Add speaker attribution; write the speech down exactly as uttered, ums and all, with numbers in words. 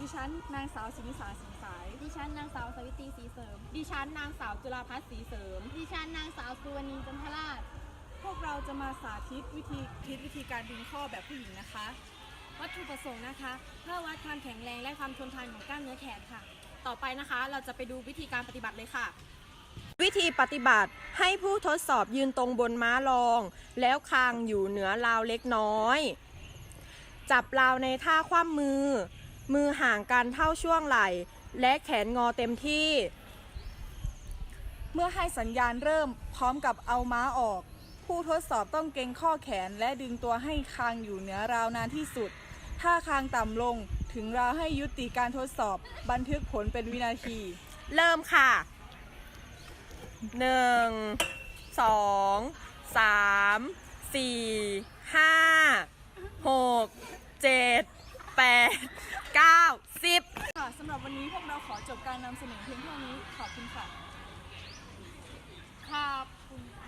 Speaker 1: ดิฉันนางสาวสินิสาสีสาย
Speaker 2: ดิฉันนางสาวสวิตรีศรีเสริม
Speaker 3: ดิฉันนางสาวจุฬาภัสศรีเสริม
Speaker 2: ดิฉันนางสาวสุวรรณีจันทราช
Speaker 1: พวกเราจะมาสาธิตวิธีคิดวิธีการดึงข้อแบบผู้หญิงนะคะ
Speaker 4: วัตถุประสงค์นะคะเพื่อวัดความแข็งแรงและความทนทานของกล้ามเนื้อแขนค่ะ
Speaker 3: ต่อไปนะคะเราจะไปดูวิธีการปฏิบัติเลยค่ะ
Speaker 5: วิธีปฏิบัติให้ผู้ทดสอบยืนตรงบนม้ารอง แล้วคางอยู่เหนือราวเล็กน้อย จับราวในท่าคว่ำมือ มือห่างกันเท่าช่วงไหล่ และแขนงอเต็มที่
Speaker 1: เมื่อให้สัญญาณเริ่มพร้อมกับเอาม้าออก ผู้ทดสอบต้องเกร็งข้อแขนและดึงตัวให้คางอยู่เหนือราวนานที่สุด ถ้าคางต่ำลงถึงราวให้ยุติการทดสอบบันทึกผลเป็นวินาที
Speaker 5: เริ่มค่ะหนึ่งสองสามสี่ห้าหกเจ็ดแปดเก้าสิบ
Speaker 1: ค่ะสำหรับวันนี้พวกเราขอจบการนำเสนอเพียงเท่านี้ขอบคุณค่ะ
Speaker 3: ขอบคุณ